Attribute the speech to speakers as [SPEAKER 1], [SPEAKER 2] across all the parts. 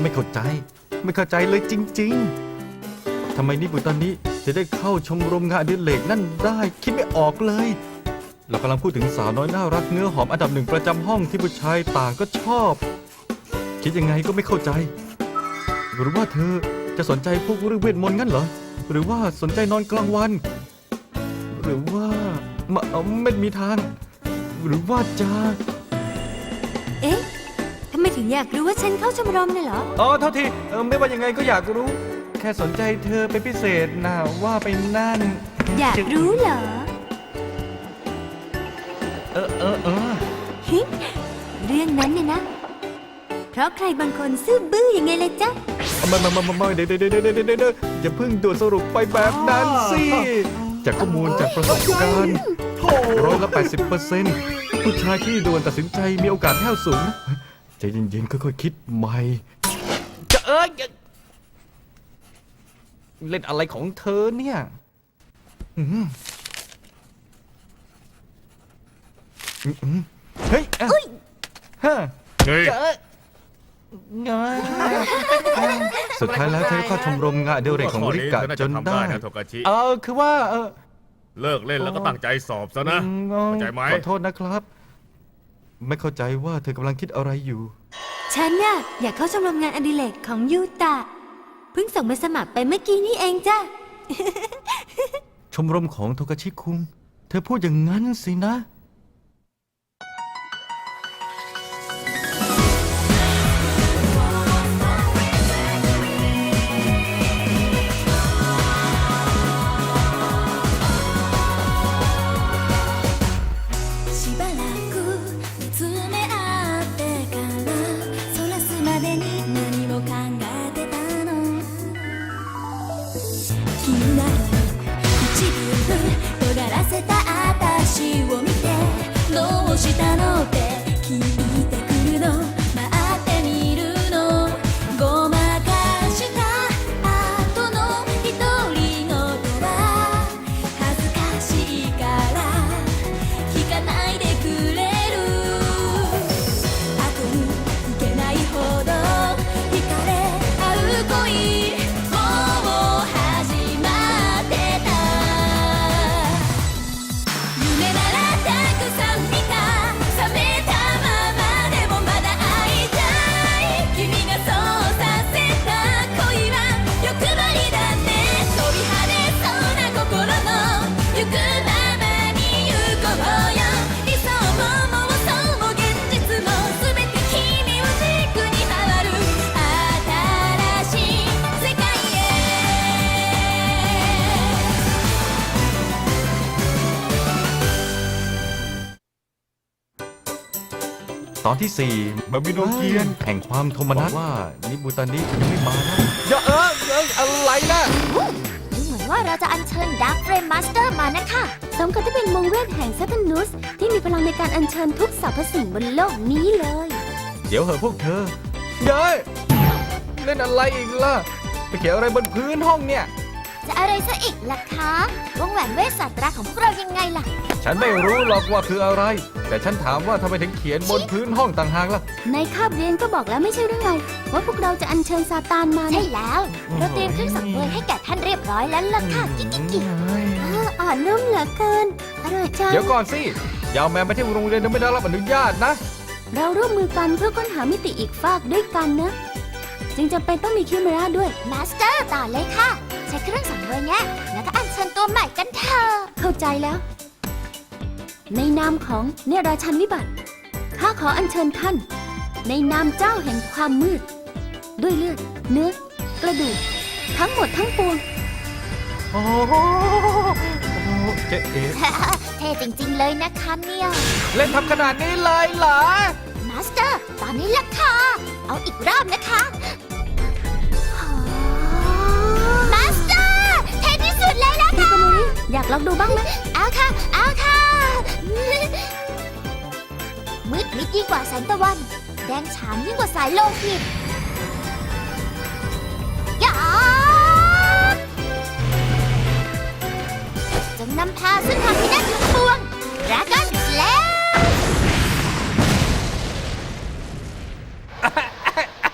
[SPEAKER 1] ไม่เข้าใจเลยจริงๆทำไมนิบุตอนนี้จะได้เข้าชมรมงานอดิเรกนั่นได้คิดไม่ออกเลยเรากำลังพูดถึงสาวน้อยน่ารักเนื้อหอมอันดับหนึ่งประจำห้องที่ผู้ชายต่างก็ชอบคิดยังไงก็ไม่เข้าใจหรือว่าเธอจะสนใจพวกเรื่องเวทมนต์งั้นเหรอหรือว่าสนใจนอนกลางวันหรือว่าไม่มีทางหรือว่าจะ
[SPEAKER 2] เอ๊ะทำไมถึงอยากรู้ว่าฉันเข้าชมรมน่ะเหรอ
[SPEAKER 1] อ๋อเท่าทีไม่ว่ายังไงก็อยากรู้แค่สนใจเธอเป็นพิเศษนะว่าไปนั่น
[SPEAKER 2] อยากรู้เหรอ ฮิเรื่องนั้นเนี่ยนะ เพราะใครบางคนซื่อบื้อยังไงเลยจ๊ะ
[SPEAKER 1] ไม่เดี๋ยวอย่าเพิ่งด่วนสรุปไปแบบนั้นสิจากข้อมูลจากประสบการณ์80%ผู้ชายที่ด่วนตัดสินใจมีโอกาสแห้วสูงนะใจเย็นๆค่อยๆคิดใหม่จะเล่นอะไรของเธอเนี่ยเฮ้ยฮะสุดท้ายแล้วเธอก็ชมรมงานอดิเรกของริกะจนได้คือว่า
[SPEAKER 3] เลิกเล่นแล้วก็ตั้งใจสอบซะนะเข้าใจไหม
[SPEAKER 1] ขอโทษนะครับ ไม่เข้าใจว่าเธอกำลังคิดอะไรอยู่
[SPEAKER 2] ฉันน่ะอยากเข้าชมรมงานอดิเรกของยูตะเพิ่งส่งใบสมัครไปเมื่อกี้นี่เองจ้ะ
[SPEAKER 1] ชมรมของโทกาชิคุงเธอพูดอย่างนั้นสินะตอนที่4
[SPEAKER 3] บาบิโนเกียน
[SPEAKER 1] แห่งความโทมนัสว่านิบุตานิยังไม่มานะอย่าอะไรนะ
[SPEAKER 4] ดูเหมือนว่าเราจะอัญเชิญดาร์คเฟรมมาสเตอร์มานะคะสมกับที่เป็นวงเวทแห่งซัตนุสที่มีพลังในการอัญเชิญทุกสรรพสิ่งบนโลกนี้เลย
[SPEAKER 1] เดี๋ยวเหอะพวกเธอเย้ยเล่นอะไรอีกล่ะไปเขียนอะไรบนพื้นห้องเนี่ย
[SPEAKER 4] จะอะไรซะอีกล่ะคะวงแหวนเวทศาสตราของพวกเรายังไงล่ะ
[SPEAKER 1] ฉันไม่รู้หรอกว่าคืออะไร แต่ฉันถามว่าทำไมถึงเขียนบนพื้นห้องต่างหากล่ะ
[SPEAKER 4] ในคาบเรียนก็บอกแล้วไม่ใช่หรือไงว่าพวกเราจะอัญเชิญซาตานมาใช่แล้ว เราเตรียมเครื่องสังเวยให้แก่ท่านเรียบร้อยแล้วล่ะค่ะกิ๊กอ่อนนุ่มเหลือเกินอร่อยจัง
[SPEAKER 1] เดี๋ยวก่อนสิอยาวแมนไปที่โรงเรียนโดยไม่ได้รับอนุญาตนะ
[SPEAKER 4] เราร่วมมือกันเพื่อค้นหามิติอีกฟากด้วยกันนะจึงจำเป็นต้องมีคิวเมราด้วยมาสเตอร์ต่อเลยค่ะใช้เครื่องสังเวยแง่แล้วก็อัญเชิญตัวใหม่กันเถอะเข้าใจแล้วในนามของเนราชันวิบัติข้าขออัญเชิญท่านในนามเจ้าแห่งความมืดด้วยเลือดเนื้อกระดูกทั้งหมดทั้งปวง
[SPEAKER 1] โอ้โหเจ๊เอ๋
[SPEAKER 4] เท่จริงๆเลยนะคะเนี่ย
[SPEAKER 1] เล่นทำขนาดนี้เลยเหรอ
[SPEAKER 4] มาสเตอร์ตอนนี้ล่ะค่ะเอาอีกรอบนะคะมาสเตอร์เท่ที่สุดเลยล่ะค่ะ อยากลองดูบ้างไหมเอาค่ะเอาค่ะมืดมิดยิ่งกว่าแสงตะวันแดงฉานยิ่งกว่าสายโลหิตยาจงนำพาซึ่งทางที่น่าทั้งปวงดราก้อนสแลม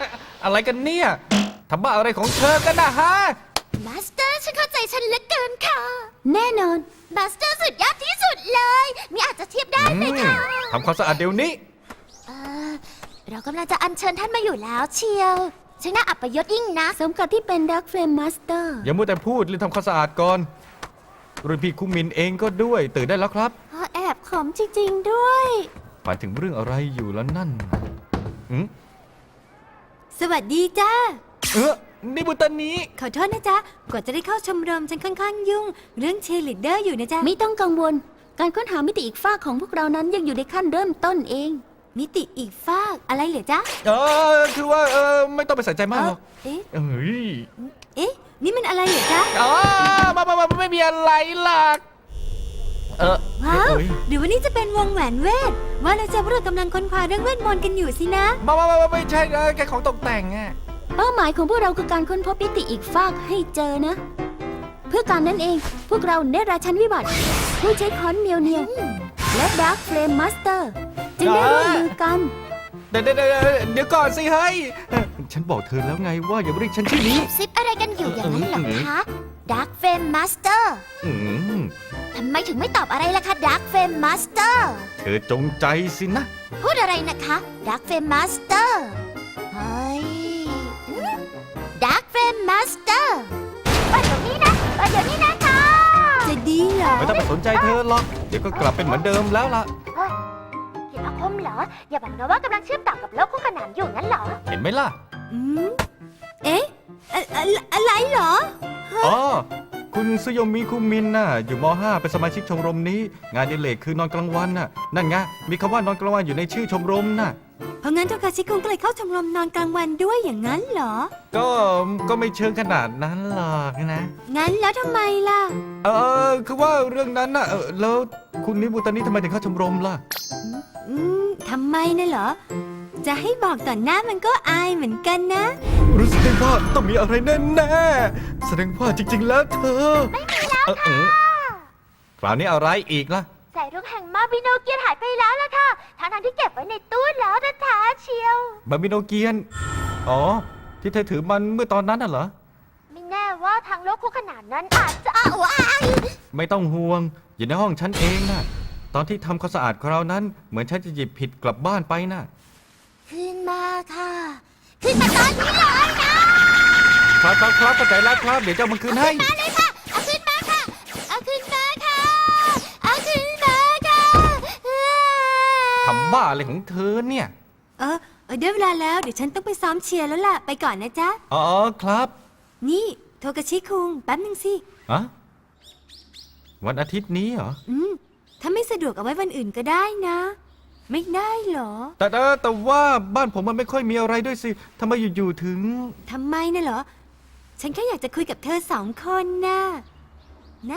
[SPEAKER 1] อะไรกันเนี่ยทำบ้าอะไรของเธอกันนะฮะ
[SPEAKER 4] มาสเตอร์ฉันเข้าใจฉันเหลือเกินค่ะ แน่นอน มาสเตอร์สุดยอดที่สุดเลยมีอาจจะเทียบได้ไหมคะ
[SPEAKER 1] ทำความสะอาดเดี๋ยวนี้
[SPEAKER 4] เออเรากำลังจะอัญเชิญท่านมาอยู่แล้วเชียวช่างน่าอับยศยิ่งนะสมกับที่เป็นดักเฟรมมาสเตอร์
[SPEAKER 1] อย่ามัวแต่พูดรีบทำความสะอาดก่อนรุ่นพี่คุมินเองก็ด้วยตื่นได้แล้วครับ
[SPEAKER 4] แอบขมจริงๆด้วย
[SPEAKER 1] หมายถึงเรื่องอะไรอยู่แล้วนั่นอืม
[SPEAKER 2] สวัสดีจ้า
[SPEAKER 1] นี่บุตรนี้
[SPEAKER 2] ขอโทษนะจ๊ะ กว่าจะได้เข้าชมรมฉันค่อนข้างยุ่ง เรื่องเชียร์ลีดเดอร์อยู่นะจ๊ะ
[SPEAKER 4] ไม่ต้องกังวล การค้นหามิติอีกฝากของพวกเรานั้นยังอยู่ในขั้นเริ่มต้นเอง
[SPEAKER 2] มิติอีกฟากอะไรเหรอจ๊ะ
[SPEAKER 1] คือว่าไม่ต้องไปใส่ใจมากหรอก
[SPEAKER 2] เอ๊ะ
[SPEAKER 1] เอ้ย
[SPEAKER 2] เอ๊ะ นี่มันอะไรเหรอจ๊ะ
[SPEAKER 1] มาไม่มีอะไรหรอก
[SPEAKER 2] ว้าว
[SPEAKER 1] เอ้ย
[SPEAKER 2] หรือว่านี่จะเป็นวงแหวนเวท ว่าเราจะพวกเรากำลังค้นคว้าเรื่องเวทมนต์กันอยู่สินะ
[SPEAKER 1] มาไม่ใช่แค่ของตกแต่งอ่ะ
[SPEAKER 4] เป้าหมายของพวกเราคือการค้นพบมิติอีกฝากให้เจอนะ เพื่อการนั้นเอง พวกเราเนตราชันวิบัติ ผู้ใช้ค้อนเมียวเนียวและดาร์คเฟลมมาสเตอร์จึงได้ร่วมมือกัน
[SPEAKER 1] เดี๋ยวก่อนสิเฮ้ยฉันบอกเธอแล้วไงว่าอย่าเรียกฉันชื่อนี้
[SPEAKER 4] ซิปอะไรกันอยู่อย่างนั้นเหรอคะดาร์คเฟลมมาสเตอร์
[SPEAKER 1] อืม
[SPEAKER 4] ทำไมถึงไม่ตอบอะไรล่ะคะดาร์คเฟลมมาสเตอร์
[SPEAKER 1] เธอจงใจสินะ
[SPEAKER 4] พูดอะไรนะคะดาร์คเฟลมมาสเตอร์เฮ้ยดาร์คเฟลมมาสเตอร์เปิดเดี๋ยวนี้นะเปิดเดี๋ยวนี้นะคะ
[SPEAKER 2] จะดีเหรอ
[SPEAKER 1] ไม่ต้องไปสนใจเธอหรอกเดี๋ยวก็กลับเป็นเหมือนเดิมแล้วล่ะ
[SPEAKER 4] เห็นอาคมเหรอ อย่าบอกนะว่ากำลังเชื่อมต่อกับโลกคู่ขนานอยู่งั้นเหรอ
[SPEAKER 1] เห็นไหมล่ะ
[SPEAKER 2] อืม เอ๊ะอะไรเหรอ
[SPEAKER 1] อ๋อ คุณซุโยมิคุมินน่ะ อยู่ม .5 เป็นสมาชิกชมรมนี้ งานอดิเรกคือนอนกลางวันน่ะ นั่นไง มีคำว่านอนกลางวันอยู่ในชื่อชมรมน่ะ
[SPEAKER 2] เพราะงั้นโทคาชิคุงก็เลยเข้าชมรมนอนกลางวันด้วยอย่างนั้นเหรอ
[SPEAKER 1] ก็ไม่เชิงขนาดนั้นหรอกนะ
[SPEAKER 2] งั้นแล้วทำไมล่ะ
[SPEAKER 1] คือว่าเรื่องนั้นน่ะแล้วคุณนิบุตานี่ทำไมถึงเข้าชมรมล่ะ
[SPEAKER 2] ทำไมน่ะเหรอ จะให้บอกต่อหน้ามันก็อายเหมือนกันนะ
[SPEAKER 1] รู้สึกได้ว่าต้องมีอะไรแน่ๆแสดงว่าจริงๆแล้วเธอ ไม่มีแล้วค่ะคราวนี้อะไรอีกล่ะ
[SPEAKER 4] สายรุ้งแห่งมาบิโนเกียนหายไปแล้วล่ะค่ะทั้งที่เก็บไว้ในตู้แล้วแท้ๆเชียว
[SPEAKER 1] บาบิโนเกียน อ๋อ ที่เธอถือมันเมื่อตอนนั้นน่ะเหรอ
[SPEAKER 4] ไม่แน่ว่าทางโลกคู่ขนานนั้นอาจจะว้าย
[SPEAKER 1] ไม่ต้องห่วง อยู่ในห้องฉันเองน่ะ ตอนที่ทำความสะอาดคราวนั้น เหมือนฉันจะหยิบผิดกลับบ้านไปน่ะ
[SPEAKER 4] ขึ้นมาค่ะ ขึ้นมาตอนนี้เลยนะครับ
[SPEAKER 1] เข้าใจแล้วครับ เดี๋ยวจะเอามันคืนให้
[SPEAKER 4] มาเลยค่ะเอาขึ้นมาค่ะเอาขึ้นมาค่ะเอาขึ้นมาค่ะ
[SPEAKER 1] ทำบ้าอะไรของเธอเนี่ย
[SPEAKER 2] ได้เวลาแล้วเดี๋ยวฉันต้องไปซ้อมเชียร์แล้วล่ะ ไปก่อนนะจ๊ะ
[SPEAKER 1] อ๋อครับ
[SPEAKER 2] นี่โทกาชิคุงแป๊บนึงสิ
[SPEAKER 1] อะวันอาทิตย์นี้เหรอ
[SPEAKER 2] ถ้าไม่สะดวกเอาไว้วันอื่นก็ได้นะ ไม่ได้เหรอ
[SPEAKER 1] แต่ว่าบ้านผมมันไม่ค่อยมีอะไรด้วยสิทำไมอยู่ๆถึง
[SPEAKER 2] ทำไมน่ะเหรอ ฉันแค่อยากจะคุยกับเธอ2 คนนะนะ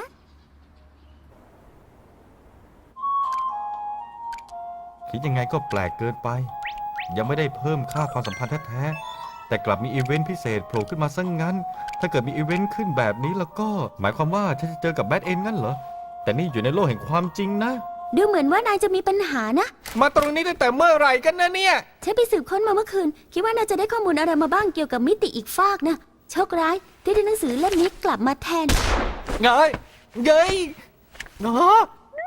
[SPEAKER 1] คิดยังไงก็แปลกเกินไป ยังไม่ได้เพิ่มค่าความสัมพันธ์แท้ๆแต่กลับมีอีเวนต์พิเศษโผล่ขึ้นมาซะงั้น ถ้าเกิดมีอีเวนต์ขึ้นแบบนี้แล้วก็ หมายความว่าฉันจะเจอกับแบทเอ็นงั้นเหรอ แต่นี่อยู่ในโลกแห่งความจริงนะ
[SPEAKER 4] ดูเหมือนว่านายจะมีปัญหานะ
[SPEAKER 1] มาตรงนี้ตั้งแต่เมื่อไหร่กันนะเนี่ย
[SPEAKER 4] ฉันไปสืบค้นมาเมื่อคืน คิดว่าน่าจะได้ข้อมูลอะไรมาบ้างเกี่ยวกับมิติอีกฟากนะ โชคร้ายที่ได้หนังสือเล่มนี้กลับมาแทน
[SPEAKER 1] เงยเงยเนาะ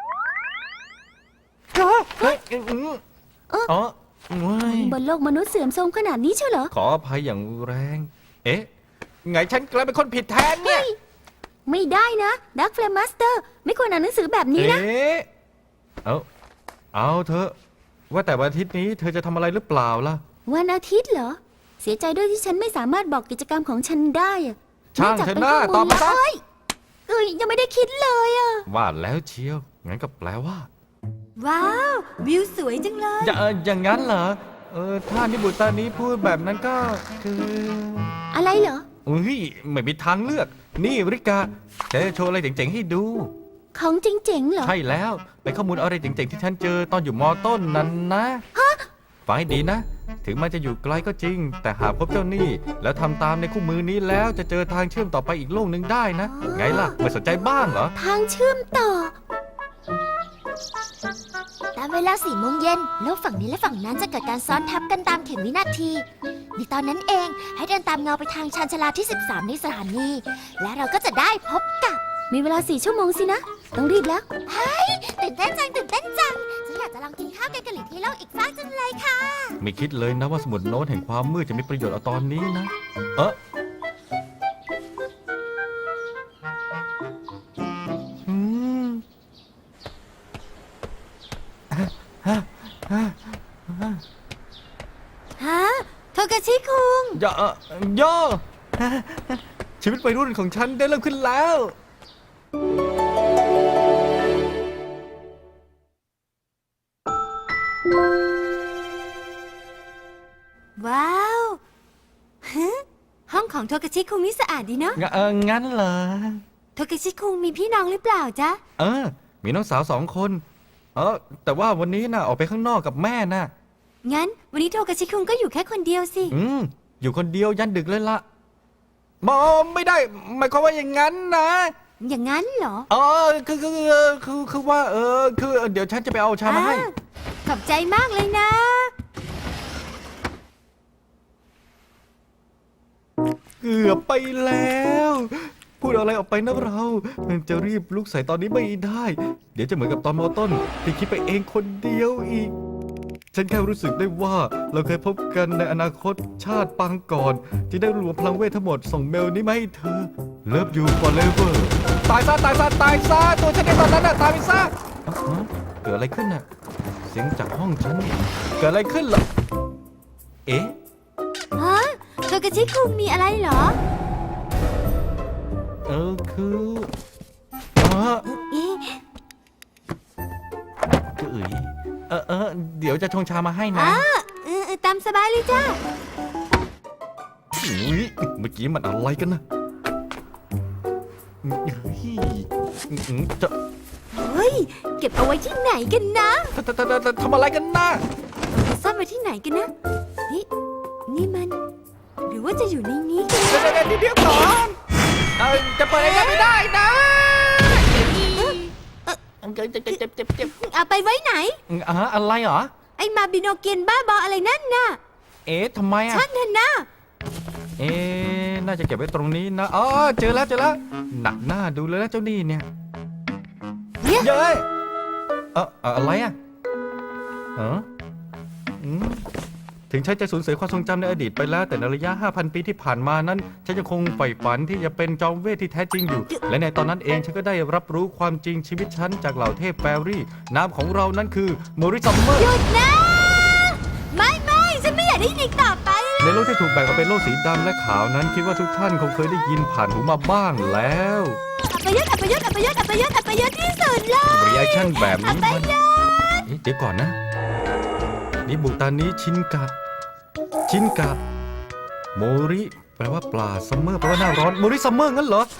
[SPEAKER 1] เฮ้ยอ๋อ
[SPEAKER 4] บนโลกมนุษย์เสื่อมโทรมขนาดนี้เชียวเหรอ
[SPEAKER 1] ขออภัยอย่างแรง เอ๊ะ ไงฉันกลายเป็นคนผิดแทนเนี่ย
[SPEAKER 4] ไม่ได้นะดักเฟลมมาสเตอร์ไม่ควรอ่านหนังสือแบบนี้นะ
[SPEAKER 1] เอ๊ะเอาเถอะ ว่าแต่วันอาทิตย์นี้เธอจะทำอะไรหรือเปล่าล่ะ
[SPEAKER 4] วันอาทิตย์เหรอ เสียใจด้วยที่ฉันไม่สามารถบอกกิจกรรมของฉันได้อะ
[SPEAKER 1] ช่างเถอะหน้าตอบมาซะ
[SPEAKER 4] ยังไม่ได้คิดเลยอะ
[SPEAKER 1] ว่าแล้วเชียว งั้นก็แปลว่า
[SPEAKER 2] ว้าว วิวสวยจังเลย
[SPEAKER 1] อย่างนั้นเหรอ ถ้านิบุตานี้พูดแบบนั้นก็คือ
[SPEAKER 4] อะไรเหรอ
[SPEAKER 1] อุ้ยไม่มีทางเลือก นี่ริกาเธอโชว์อะไรเจ๋งๆให้ดู
[SPEAKER 4] ของจริงๆเหรอ
[SPEAKER 1] ใช่แล้วเป็นข้อมูลอะไรเจ๋งๆที่ฉันเจอตอนอยู่ม.ต้นนั้นนะฟังให้ดีนะ ถึงมันจะอยู่ไกลก็จริง แต่หากพบเจ้านี่ แล้วทำตามในคู่มือนี้แล้วจะเจอทางเชื่อมต่อไปอีกโลกหนึ่งได้นะ ไงล่ะไม่สนใจบ้างเหรอ
[SPEAKER 4] ทางเชื่อมต่อ ตามเวลา4 โมงเย็นโลกฝั่งนี้และฝั่งนั้นจะเกิดการซ้อนทับกันตามเข็มวินาทีในตอนนั้นเองให้เดินตามเงาไปทางชานชาลาที่ 13 ในสถานีและเราก็จะได้พบกับมีเวลา4 ชั่วโมงสินะต้องรีบแล้วเฮ้ยตื่นเต้นจังฉันอยากจะลองกินข้าวแกงกะหรี่ที่โลกอีกฟากจังเลยค่ะ
[SPEAKER 1] ไม่คิดเลยนะว่าสมุดโน้ตแห่งความมืดจะมีประโยชน์เอาตอนนี้นะ อืม
[SPEAKER 2] ฮะ โทกาชิคุง
[SPEAKER 1] ย่อ ชีวิตวัยรุ่นของฉันได้เริ่มขึ้นแล้ว
[SPEAKER 2] ว้าวฮะห้องของโทกาชิคุงนี่สะอาดดีเนาะ
[SPEAKER 1] งั้นเหรอ
[SPEAKER 2] โทกาชิคุงมีพี่น้องหรือเปล่าจ๊ะ
[SPEAKER 1] มีน้องสาว2 คน แต่ว่าวันนี้น่ะออกไปข้างนอกกับแม่น่ะ
[SPEAKER 2] งั้น วันนี้โทกาชิคุงก็อยู่แค่คนเดียวสิ
[SPEAKER 1] อยู่คนเดียวยันดึกเลยละไม่ได้หมายความว่าอย่างนั้นนะ
[SPEAKER 2] อย่างนั้นเหรอ
[SPEAKER 1] คือว่าเดี๋ยวฉันจะไปเอาชามาให้
[SPEAKER 2] ขอบใจมากเลยนะ
[SPEAKER 1] เกือบไปแล้ว พูดอะไรออกไปนะเราจะรีบลุกใส่ตอนนี้ไม่ได้ เดี๋ยวจะเหมือนกับตอนมอต้นที่คิดไปเองคนเดียวอีก ฉันแค่รู้สึกได้ว่าเราเคยพบกันในอนาคตชาติปางก่อนที่ได้รวมพลังเวททั้งหมดส่งเมลนี้มาให้เธอ Love you forever ตายซะตัวฉันในตอนนั้นน่ะตายไปซะเกิดอะไรขึ้นน่ะเสียงจากห้องฉันเกิดอะไรขึ้นเหรอเอ๊ะ
[SPEAKER 2] ฮะ โทกาชิคุงมีอะไรเหรอ
[SPEAKER 1] คือ
[SPEAKER 2] เอ๊ะ
[SPEAKER 1] เดี๋ยวจะชงชามาให้นะ
[SPEAKER 2] ตามสบายเลยจ้า
[SPEAKER 1] อุ๊ยเมื่อกี้มันอะไรกันนะจะ
[SPEAKER 2] เฮ้ย เก็บเอาไว้ที่ไหนกันนะ
[SPEAKER 1] ทำอะไรกันนะ
[SPEAKER 2] จะซ่อนไว้ที่ไหนกันนะนี่มัน หรือว่าจะอยู่ในนี้กัน
[SPEAKER 1] เดี๋ยวก่อนจะเปิดอะไรไม่ได้นะเจ็บ
[SPEAKER 2] เอาไปไว้ไหน
[SPEAKER 1] อะไรเหรอ
[SPEAKER 2] ไอ้มาบิโนเกียนบ้าบออะไรนั่นน่ะ
[SPEAKER 1] ทำไมอ่ะ
[SPEAKER 2] ช่างเถอะนะ
[SPEAKER 1] น่าจะเก็บไว้ตรงนี้นะเจอแล้วหนักหน้าดูเลยนะเจ้านี่เนี่ย
[SPEAKER 2] เนี่ย
[SPEAKER 1] เย้ยอะไรอ่ะถึงฉันจะสูญเสียความทรงจำในอดีตไปแล้วแต่ในระยะ 5,000 ปีที่ผ่านมานั้นฉันยังคงใฝ่ฝันที่จะเป็นจอมเวทที่แท้จริงอยู่ และในตอนนั้นเองฉันก็ได้รับรู้ความจริงชีวิตฉันจากเหล่าเทพแฟรี่นามของเรานั้นคือโมริซัมเมอร์
[SPEAKER 2] หยุดนะ ไม่ฉันไม่อยากได้ยินอีกต่อไป
[SPEAKER 1] ในโลกที่ถูกแบ่งออกเป็นโลกสีดำและขาวนั้นคิดว่าทุกท่านคงเคยได้ยินผ่านหูมาบ้างแล้ว
[SPEAKER 2] อัปยศที่สุดเลย
[SPEAKER 1] รีแอคชั่นแบบนี้มันเดี๋ยวก่อนนะนี่บุตานี้ชินกะโมริแปลว่าปลาซัมเมอร์แปลว่าหน้าร้อนโมริซัมเมอร์งั้นเหรอ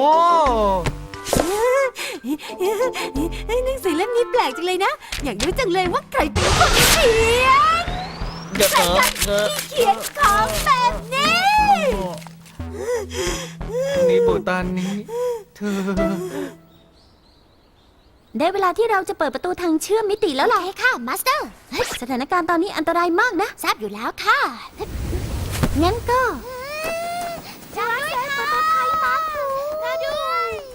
[SPEAKER 2] หนังสือเล่มนี้แปลกจังเลยนะ อยากรู้จังเลยว่าใครเป็นคนเขียนใครกันที่เขียนของแบบนี้
[SPEAKER 1] นี่บุตานี้เธอ
[SPEAKER 4] ได้เวลาที่เราจะเปิดประตูทางเชื่อมมิติแล้วล่ะค่ะมาสเตอร์สถานการณ์ตอนนี้อันตรายมากนะทราบอยู่แล้วค่ะงั้นก็ช่วยด้วยค่ะมาด้วย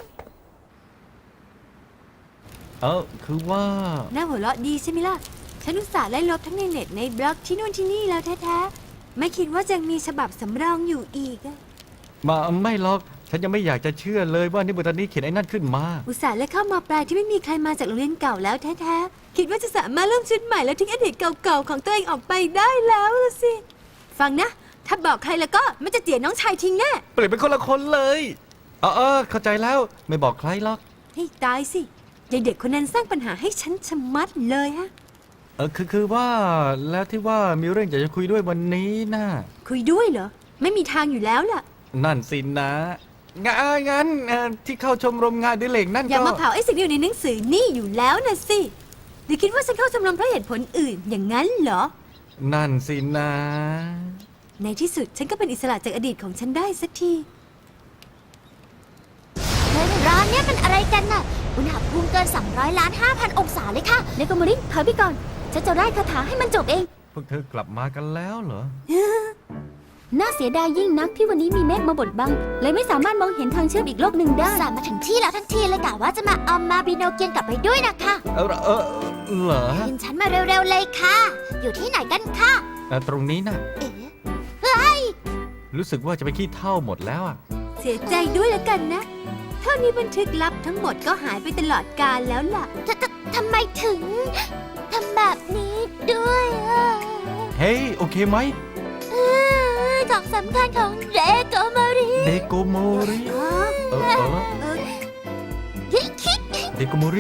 [SPEAKER 1] คือว่า
[SPEAKER 2] น่าหัวเราะดีใช่ไหมล่ะ ฉันอุตส่าห์ไล่ลบทั้งในเน็ตในบล็อกที่นู่นที่นี่แล้วแท้ๆไม่คิดว่าจะมีฉบับสำรองอยู่อีก
[SPEAKER 1] ไม่หรอกฉันยังไม่อยากจะเชื่อเลยว่านี่บุตานี้เขียนไอ้นั่นขึ้นมา
[SPEAKER 2] อุตส่าห์เลือกเข้ามาปลายที่ไม่มีใครมาจากโรงเรียนเก่าแล้วแท้ๆคิดว่าจะสามารถเริ่มชุดใหม่แล้วทิ้งอดีตเก่าๆของตัวเองออกไปได้แล้วล่ะสิ ฟังนะ ถ้าบอกใครแล้วก็มันจะเจียน้องชายทิ้งแน่
[SPEAKER 1] เปลี่ยนเป็นคนละคนเลยเข้าใจแล้วไม่บอกใครหรอก
[SPEAKER 2] ให้ตายสิยายเด็กคนนั้นสร้างปัญหาให้ฉันชะมัดเลยฮะ
[SPEAKER 1] คือว่าแล้วที่ว่ามีเรื่องอยากจะคุยด้วยวันนี้น่ะ
[SPEAKER 2] คุยด้วยเหรอ ไม่มีทางอยู่แล้วล่ะ
[SPEAKER 1] นั่นสินะงั้นที่เข้าชมรมงานอดิเรกนั่น
[SPEAKER 2] อย่า
[SPEAKER 1] ก็
[SPEAKER 2] มาเผาไอ้สิ่งที่อยู่ในหนังสือนี่อยู่แล้วนะสิหรือคิดว่าฉันเข้าชมรมเพราะเหตุผลอื่นอย่างนั้นเหรอ
[SPEAKER 1] นั่นสินะ
[SPEAKER 2] ในที่สุดฉันก็เป็นอิสระจากอดีตของฉันได้สักที
[SPEAKER 4] ร้านเนี่ยมันอะไรกันน่ะอุณหภูมิเกิน 200,500,000 องศาเลยค่ะเนโกโมริถอยไปก่อน ฉันจะไล่คาถาให้มันจบเอง
[SPEAKER 1] พวกเธอกลับมากันแล้วเหรอ
[SPEAKER 4] น่าเสียดายยิ่งนักที่วันนี้มีเมฆมาบดบัง เลยไม่สามารถมองเห็นทางเชื่อมอีกโลกหนึ่งได้สามมาถึงที่แล้วทั้งทีเลยกะว่าจะมาเอามาบิโนเกียนกลับไปด้วยนะคะ
[SPEAKER 1] เหรอ
[SPEAKER 4] ยินฉันมาเร็วๆเลยค่ะ อยู่ที่ไหนกันคะ
[SPEAKER 1] ตรงนี้นะ
[SPEAKER 4] เอ๊ะเฮ้ย
[SPEAKER 1] รู้สึกว่าจะไปขี้เท่าหมดแล้วอ่ะ
[SPEAKER 2] เสียใจด้วยแล้วกันนะ เท่านี้บันทึกลับทั้งหมดก็หายไปตลอดกาลแล้วล่ะ
[SPEAKER 4] ทำไมถึงทำแบบนี้ด้วยอ่ะ
[SPEAKER 1] เฮ้ย โอเคไหม
[SPEAKER 4] ของสำคัญของเรโกโมริ
[SPEAKER 1] เดโกโมริ
[SPEAKER 4] คิก
[SPEAKER 1] เดโกโมริ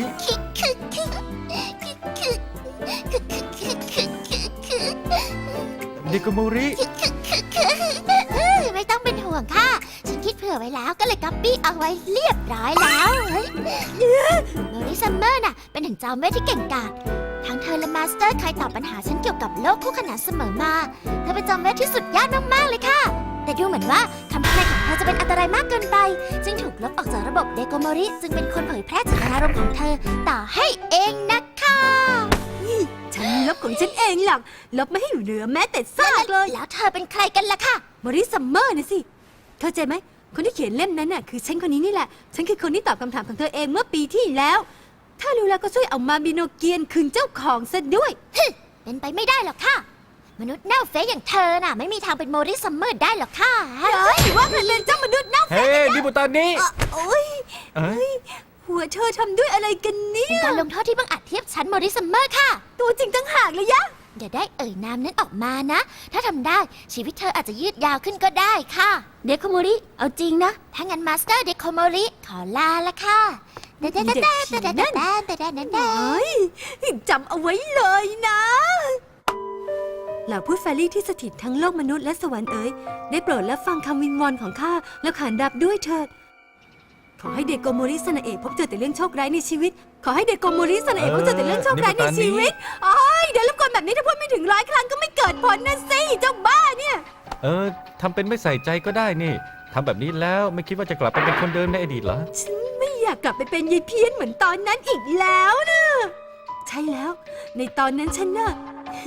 [SPEAKER 1] เดโกโมริ
[SPEAKER 4] ไม่ต้องเป็นห่วงค่ะ ฉันคิดเผื่อไว้แล้วก็เลยก๊อปปี้เอาไว้เรียบร้อยแล้วโมริซัมเมอร์น่ะเป็นถึงจอมเวทที่เก่งกาจทั้งเธอและมาสเตอร์เคยตอบปัญหาฉันเกี่ยวกับโลกคู่ขนานเสมอมา เธอเป็นจอมเวทที่สุดยอดมากๆเลยค่ะ แต่ดูเหมือนว่าคำทำนายของเธอจะเป็นอันตรายมากเกินไป จึงถูกลบออกจากระบบเดโกโมริจึงเป็นคนเผยแพร่เจตนารมณ์ของเธอต่อให้เองนะคะ
[SPEAKER 2] ฉันลบของฉันเองหรอก ลบไม่ให้เหลือแม้แต่ซากเลย
[SPEAKER 4] แล้วเธอเป็นใครกันล่ะค่ะ
[SPEAKER 2] มอริสซัมเมอร์นะสิ เข้าใจไหม คนที่เขียนเล่มนั้นน่ะคือฉันคนนี้นี่แหละ ฉันคือคนที่ตอบคำถามของเธอเองเมื่อปีที่แล้ว ถ้ารู้แล้วก็ช่วยเอามาบิโนเกียนคืนเจ้าของซะด้วย
[SPEAKER 4] เป็นไปไม่ได้หรอกค่ะ มนุษย์เน่าเฟะอย่างเธอน่ะไม่มีทางเป็นโมริซัมเมอร์ได้หรอกค่ะ
[SPEAKER 2] เฮ้ยว่ามันเป็นเจ้ามนุษย์เน่า
[SPEAKER 1] เฮ้ยดิบุตานี้
[SPEAKER 2] โอ้ย
[SPEAKER 1] เอ้ย
[SPEAKER 2] หัวเธอทำด้วยอะไรกันเนี่
[SPEAKER 4] เป็น
[SPEAKER 2] ย
[SPEAKER 4] การลงโทษที่บังอาจเทียบชั้นโมริซัมเมอร์ค่ะ
[SPEAKER 2] ตัวจริงตั้งหากเลยยะ
[SPEAKER 4] เดี๋ยวได้เอ่ยนามนั้นออกมานะ ถ้าทำได้ชีวิตเธออาจจะยืดยาวขึ้นก็ได้ค่ะ เดโคโมริ เอาจริงนะ ถ้างั้นมาสเตอร์เดโคโมริขอลาละค่ะ
[SPEAKER 2] เด็กผีนั่น เฮ้ยจำเอาไว้เลยนะเหล่าผู้แฟรี่ที่สถิตทั้งโลกมนุษย์และสวรรค์เอ๋ยได้โปรดรับฟังคำวิงวอนของข้าแล้วขานรับด้วยเถิด ขอให้เดโกโมริสนาเอะพบเจอแต่เรื่องโชคร้ายในชีวิต ขอให้เดโกโมริสนาเอะพบเจอแต่เรื่องโชคร้ายในชีวิตโอ้ยเดี๋ยวรบกวนแบบนี้ถ้าพูดไม่ถึง100 ครั้งก็ไม่เกิดผลนะสิเจ้าบ้าเนี่ย
[SPEAKER 1] ทำเป็นไม่ใส่ใจก็ได้นี่ทำแบบนี้แล้วไม่คิดว่าจะกลับไปเป็นคนเดิมในอดีตเหรอ
[SPEAKER 2] ฉันไม่อยากกลับไปเป็นยายเพี้ยนเหมือนตอนนั้นอีกแล้วนะใช่แล้ว ในตอนนั้นฉันน่ะ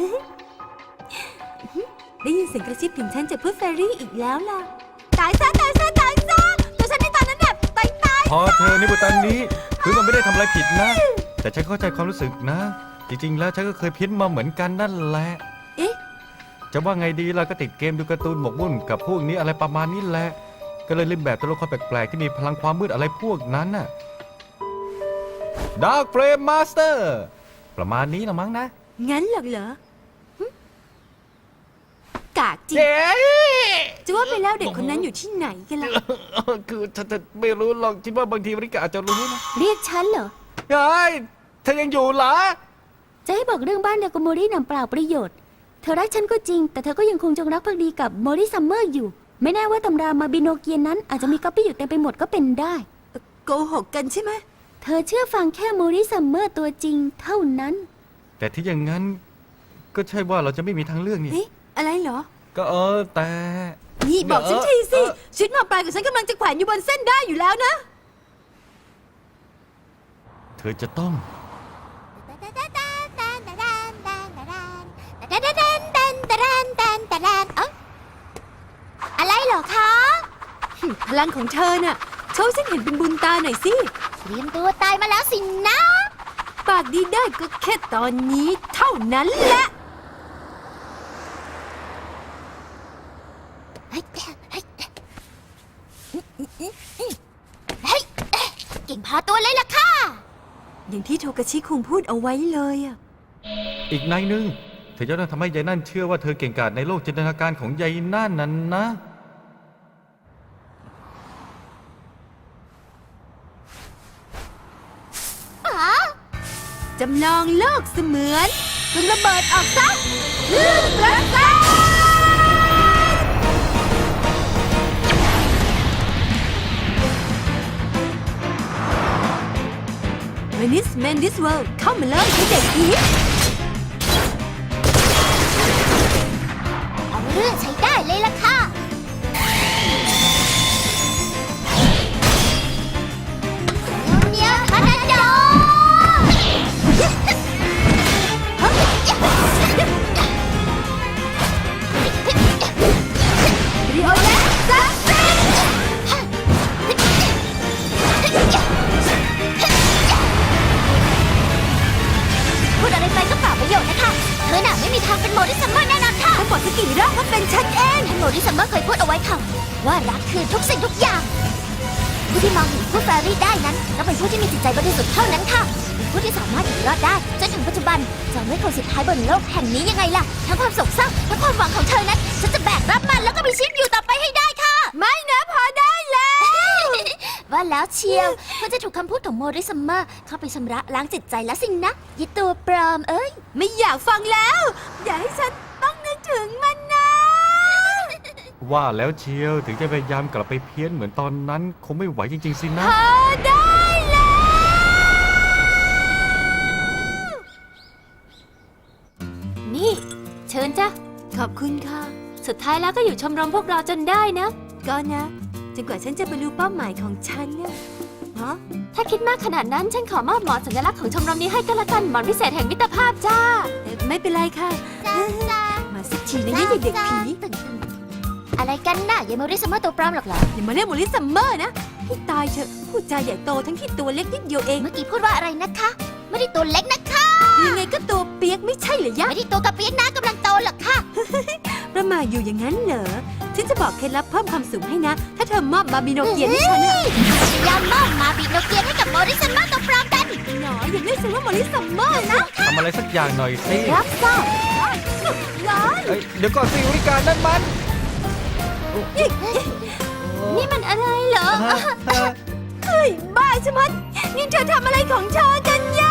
[SPEAKER 2] ได้ยินเสียงกระซิบถึงฉันจากเพื่อนแฟรี่อีกแล้วล่ะ ตายซะตัวฉันในตอนนั้นแบบตาย
[SPEAKER 1] พอเธอนิบุตันนี้คือมันไม่ได้ทำอะไรผิดนะ แต่ฉันเข้าใจความรู้สึกนะ จริงๆแล้วฉันก็เคยเพี้ยนมาเหมือนกันนั่นแหละ
[SPEAKER 2] เอ๊ะ
[SPEAKER 1] จะว่าไงดีล่ะก็ติดเกมดูการ์ตูนหมกมุ่นกับพวกนี้อะไรประมาณนี้แหละ ก็เลยเล่นแบบตัวละครแปลกๆที่มีพลังความมืดอะไรพวกนั้นน่ะ Dark Flame Master ประมาณนี้ละมั้งนะ
[SPEAKER 2] งั้นเหรอหึกากจริง
[SPEAKER 1] เจ๊
[SPEAKER 2] จะว่าไปแล้วเด็กคนนั้นอยู่ที่ไหนกันล่ะ
[SPEAKER 1] คือฉันไม่รู้หรอกคิดว่าบางทีริกาอาจจะรู้นะ
[SPEAKER 4] เรียกฉันเหรอ
[SPEAKER 1] เฮ้ยเธอยังอยู่เหรอ
[SPEAKER 4] จะให้บอกเรื่องบ้านเดโกโมรินำเปล่าประโยชน์ เธอรักฉันก็จริง แต่เธอก็ยังคงจงรักภักดีกับโมริซัมเมอร์อยู่ ไม่แน่ว่าตำรามาบิโนเกียนนั้นอาจจะมีก๊อปปี้อยู่เต็มไปหมดก็เป็นได้
[SPEAKER 2] โกหกกันใช่ไหม
[SPEAKER 4] เธอเชื่อฟังแค่โมริซัมเมอร์ตัวจริงเท่านั้น
[SPEAKER 1] แต่ที่อย่างนั้นก็ใช่ว่าเราจะไม่มีทางเลือกนี่
[SPEAKER 2] เอ๊ะอะไรเหรอ
[SPEAKER 1] ก็แต่
[SPEAKER 2] นี่บอกฉันทีสิชีวิตหมอปลายกับฉันกำลังจะแขวนอยู่บนเส้นได้อยู่แล้วนะ
[SPEAKER 1] เธอจะต้อง
[SPEAKER 4] อะไรเหรอคะ
[SPEAKER 2] พลังของเธอน่ะโชว์ฉันเห็นเป็นบุญตาหน่อยสิ
[SPEAKER 4] เตรียมตัวตายมาแล้วสินะ
[SPEAKER 2] ปากดีได้ก็แค่ตอนนี้เท่านั้นแหละ
[SPEAKER 4] เฮ้ยเก่งพอตัวเลยล่ะค่ะ
[SPEAKER 2] อย่างที่โทกาชิคุงพูดเอาไว้เลยอะ
[SPEAKER 1] อีกในหนึ่งเธอจะต้องทำให้ยายนั่นเชื่อว่าเธอเก่งกาจในโลกจินตนาการของยายนั่นนั้นนะ
[SPEAKER 2] จำลองโลกเสมือนจนระเบิดออกซะลื่นระเบิด Venice Man This World เข้ามาเลยให้เด็กผี
[SPEAKER 4] เอาเรื่องใช้ได้เลยล่ะค่ะเนียวทานาโด
[SPEAKER 2] เป็นฉันเอง
[SPEAKER 4] ท่านโมริซัมเมอร์เคยพูดเอาไว้ค่ะว่ารักคือทุกสิ่งทุกอย่าง ผู้ที่มองเห็นผู้แฟรี่ได้นั้นต้องเป็นผู้ที่มีจิตใจบริสุทธิ์เท่านั้นค่ะเป็นผู้ที่สามารถอยู่รอดได้จนถึงปัจจุบันจนไม่คนสุดท้ายบนโลกแห่งนี้ยังไงล่ะทั้งความโศกเศร้าทั้งความหวังของเธอนั้นฉันจะแบกรับมันแล้วก็มีชีวิตอยู่ต่อไปให้ได้ค่ะ
[SPEAKER 2] ไม่นะพอได้แล้ว
[SPEAKER 4] ว่าแล้วเชียวเพื่อจะถูกคำพูดของโมริซัมเมอร์เข้าไปชำระล้างจิตใจแล้วสินะยิตัวปลอมเอ้ย
[SPEAKER 2] ไม่อยากฟังแล้ว อย่าให้ฉันต้องนึกถึงมันนะ
[SPEAKER 1] ว่าแล้วเชียวถึงจะพยายามกลับไปเพี้ยนเหมือนตอนนั้นคงไม่ไหวจริงๆสินะ
[SPEAKER 2] พอได้แล้ว
[SPEAKER 4] นี่ เชิญจ้ะ
[SPEAKER 2] ขอบคุณค่ะ
[SPEAKER 4] สุดท้ายแล้วก็อยู่ชมรมพวกเราจนได้นะ
[SPEAKER 2] ก็นะจนกว่าฉันจะบรรลุเป้าหมายของฉันนะฮะ
[SPEAKER 4] ถ้าคิดมากขนาดนั้นฉันขอมอบหมอนสัญลักษณ์ของชมรมนี้ให้ก็แล้วกันหมอนพิเศษแห่งมิตรภาพจ้า
[SPEAKER 2] ไม่เป็นไรค่ะ มาสักทีนะนี่เด็กๆผี
[SPEAKER 4] อะไรกันน่ะยายโมริซัมเมอร์ตัวปลอมหรอกเหรอ
[SPEAKER 2] อย่ามาเรียกโมลิซัมเมอร์นะให้ตายเถอะพูดจาใหญ่โตทั้งที่ตัวเล็กนิดเดียวเอง
[SPEAKER 4] เมื่อกี้พูดว่าอะไรนะคะ ไม่ได้ตัวเล็กนะคะ
[SPEAKER 2] ยังไงก็ตัวเปียกไม่ใช่เหรอยะ
[SPEAKER 4] ไม่ได้ตัวกระเปี๊ยกนะกำลังโตหรอกค่ะ
[SPEAKER 2] ประมาทอยู่อย่างนั้นเหรอฉันจะบอกเคล็ดลับเพิ่มความสูงให้นะ ถ้าเธอมอบบาบิโนเกียนให้ฉันอะ
[SPEAKER 4] พยายามมอบมาบีโนเกียนให้กับโมริซัมเมอร์ตัวปลอมกัน
[SPEAKER 2] หนออย่าเรียกฉันว่าโมลิซัมเมอร์นะ
[SPEAKER 1] ทำอะไรสักอย่างหน่อยสิ
[SPEAKER 4] รับทราบ
[SPEAKER 2] ร้อน
[SPEAKER 1] เอ้ยเดี๋ยวก่อนสิวิการนั่นมัน
[SPEAKER 4] นี่มันอะไรเหรอ
[SPEAKER 2] เฮ้ยบ้าใช่ไหมนี่เธอทำอะไรของเธอกันยะ